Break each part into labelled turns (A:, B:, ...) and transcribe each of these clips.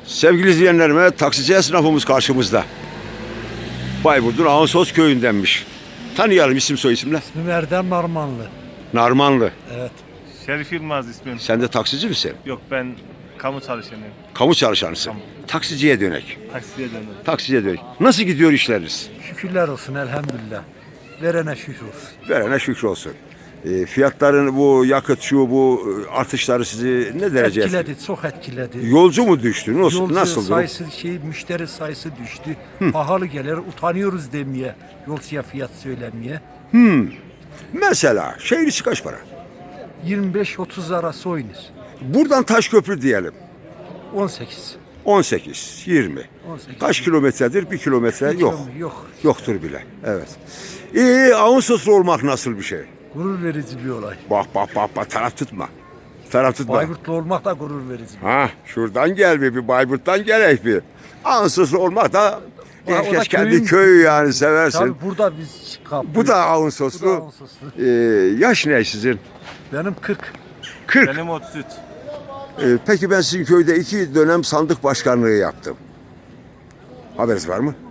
A: Sevgili izleyenlerime, taksici esnafımız karşımızda. Bayburt'un Ağustos köyündenmiş. Tanıyalım, isim soy isimle.
B: İsmim Erdem Narmanlı.
A: Narmanlı.
B: Evet.
C: Şerif Yılmaz ismim.
A: Sen de taksici misin?
C: Yok, ben kamu çalışanıyım.
A: Kamu çalışanısın.
C: Kamu.
A: Taksiciye dönek.
C: Taksiye döndüm.
A: Taksiciye dönek. Nasıl gidiyor işleriniz?
B: Şükürler olsun elhamdülillah. Verene şükür olsun.
A: Verene şükür olsun. Fiyatların bu yakıt bu artışları sizi ne derece
B: Etkiledi, çok etkiledi.
A: Yolcu mu düştü? Nasıl?
B: Yolcu
A: Nasıl?
B: sayısı, müşteri sayısı düştü. Pahalı gelir, utanıyoruz demeye, yolcuya fiyat söylemeye.
A: Mesela şehir içi kaç para?
B: 25-30 arası oynuyor.
A: Buradan Taşköprü diyelim.
B: 18.
A: 18, 20.
B: 18.
A: Kaç kilometredir? 1 kilometre yok.
B: Yok.
A: Yoktur bile. Evet. Ağustoslu olmak nasıl bir şey?
B: Gurur verici bir olay.
A: Bak, taraf tutma. Taraf tutma.
B: Bayburtlu olmak da gurur verici.
A: Ha, şuradan gel bir Bayburt'tan gerek bir. Ağustoslu olmak da
B: O da
A: herkes kendi
B: köyün-
A: köyü yani seversin.
B: Tabii burada biz kapıyız.
A: Bu da Ağustoslu.
B: Bu da Ağustoslu.
A: Yaş ne sizin?
B: Benim 40.
A: 40.
C: Benim 33.
A: Peki ben sizin köyde 2 dönem sandık başkanlığı yaptım. Haberiniz var mı?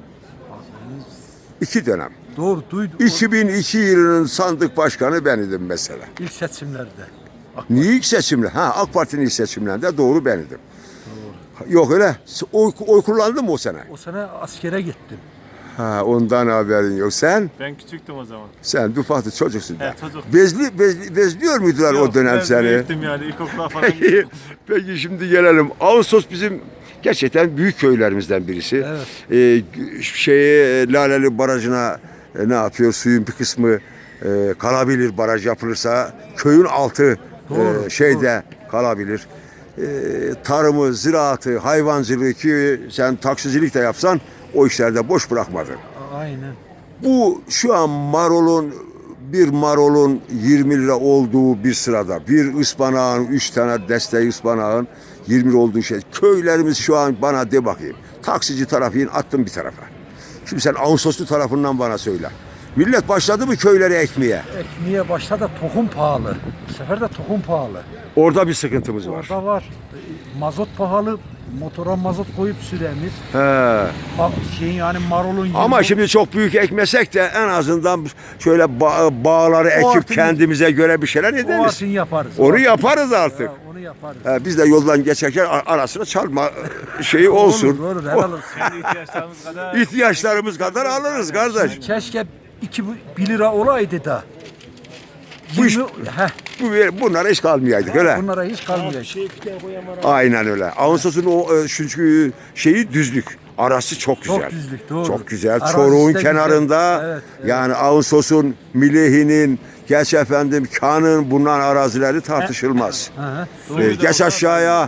A: 2 dönem.
B: Doğru duydum.
A: 2002 yılının sandık başkanı ben idim mesela.
B: İlk seçimlerde.
A: Niye ilk seçimler? AK Parti'nin ilk seçimlerinde doğru ben idim. Yok öyle. Oy kullandın mı o sene?
B: O sene askere gittim.
A: Ha, ondan haberin yok.
C: Ben küçüktüm o zaman.
A: Sen dufatlı çocuksun da.
C: Evet, çocuk.
A: Bezliyor muydular o dönem
C: ben
A: seni?
C: büyüktüm yani, ilkokula falan
A: Peki,
C: gittim.
A: peki şimdi gelelim. Ağustos bizim gerçekten büyük köylerimizden birisi.
B: Evet.
A: Laleli Barajı'na ne yapıyor? Suyun bir kısmı kalabilir, baraj yapılırsa. Köyün altı
B: Doğru,
A: şeyde kalabilir. Tarımı, ziraatı, hayvancılığı ki sen taksicilik de yapsan o işlerde boş bırakmadın.
B: Aynen.
A: Bu şu an bir marolun 20 lira olduğu bir sırada, bir ıspanağın 3 tane desteği ıspanağın 20 lira olduğu şey. Köylerimiz şu an bana de bakayım. Taksici tarafını attım bir tarafa. Şimdi sen Ağustoslu tarafından bana söyle. Millet başladı mı köyleri ekmeye?
B: Ekmeğe başladı tohum pahalı. Bu sefer de tohum pahalı.
A: Orada bir sıkıntımız var.
B: Orada var. Mazot pahalı. Motora mazot koyup süremiz.
A: He.
B: Yani marolun
A: Ama şimdi çok büyük ekmesek de en azından şöyle bağları ekip
B: artık-
A: kendimize göre bir şeyler
B: o
A: ederiz.
B: artık yaparız.
A: Onu yaparız artık.
B: Ha, onu yaparız.
A: Biz de yoldan geçerken arasına çalma şeyi olsun.
B: Olur, helal olsun.
C: Kendi ihtiyaçlarımız kadar.
A: İhtiyaçlarımız kadar alırız kardeş.
B: Keşke 1 lira olaydı da.
A: Bu iş-
B: 20 heh,
A: Bunlara hiç kalmayaydık öyle.
B: bunlara hiç kalmayacak.
A: Aynen öyle. Ağustos'un o çünkü şeyi düzlük. Arası çok güzel.
B: Çok düzlük, doğru.
A: Çok güzel.
B: Arazisi
A: Çoruğun
B: de
A: kenarında
B: güzel. Evet, evet.
A: yani Ağustos'un, Milihinin, geç efendim Kan'ın bunların arazileri tartışılmaz.
B: Hı hı.
A: Geç aşağıya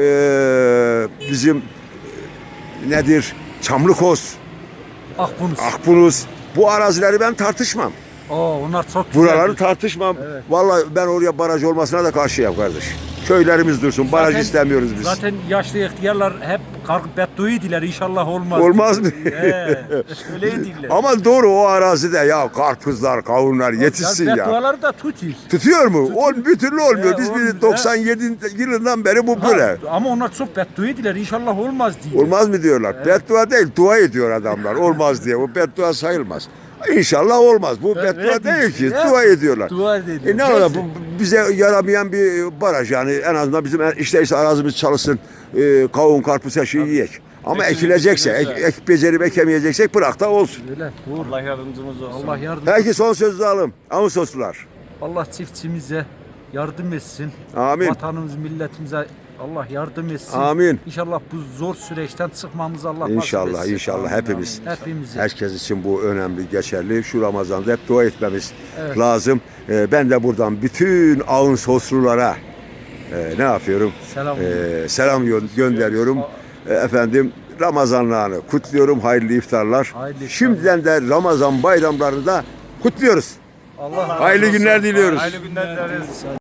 A: bizim nedir? Çamlıkoz,
B: Akbunuz.
A: Akbunuz. Bu arazileri ben tartışmam.
B: Onlar çok güzel.
A: Buraları tartışmam.
B: Evet.
A: Vallahi ben oraya baraj olmasına da karşıyım kardeş. Köylerimiz dursun. Baraj
B: Zaten-
A: istemiyoruz biz.
B: Zaten yaşlı ihtiyarlar hep bedduaydiler, inşallah olmaz.
A: Olmaz mı?
B: Öyleydiler.
A: Ama doğru o arazide ya karpuzlar, kavunlar yetişsin ya.
B: Bedduaları da tutuyor.
A: Tutuyor mu? Bir türlü olmuyor. Biz
B: olmuyor.
A: 97 yılından beri bu böyle.
B: Ama onlar çok bedduaydiler, inşallah olmaz diye.
A: Olmaz mı diyorlar? Beddua değil, dua ediyor adamlar. Olmaz diye. Bu beddua sayılmaz. İnşallah olmaz. Bu beddua
B: Evet,
A: değil ki.
B: evet.
A: Dua ediyorlar.
B: Dua ediyor.
A: Ne olacak? Bu bize yaramayan bir baraj yani. En azından bizim işte arazimiz çalışsın. Kavun, karpuz her şeyi yiyek. Ama ekilecekse, becerip ekemeyeceksek bırak da olsun.
B: Öyle, doğru.
C: Allah yardımcımız olsun.
B: Allah yardım.
A: Belki son sözü alalım. Ağustoslular.
B: Allah çiftçimize yardım etsin.
A: Amin.
B: Vatanımız, milletimize Allah yardım etsin.
A: Amin.
B: İnşallah bu zor süreçten çıkmamızı Allah nasip
A: İnşallah,
B: etsin.
A: inşallah hepimiz.
B: Hepimize.
A: Herkes için bu önemli, geçerli. Şu Ramazan'da hep dua etmemiz
B: Evet.
A: lazım. Ben de buradan bütün Ağustoslulara ne yapıyorum?
B: Selam.
A: Selam gönderiyorum. Efendim Ramazanlarını kutluyorum. Hayırlı iftarlar.
B: Hayırlı iftarlar.
A: Şimdiden de Ramazan bayramlarını da kutluyoruz.
B: Allah
A: Hayırlı günler diliyoruz.
C: Hayırlı günler dileriz.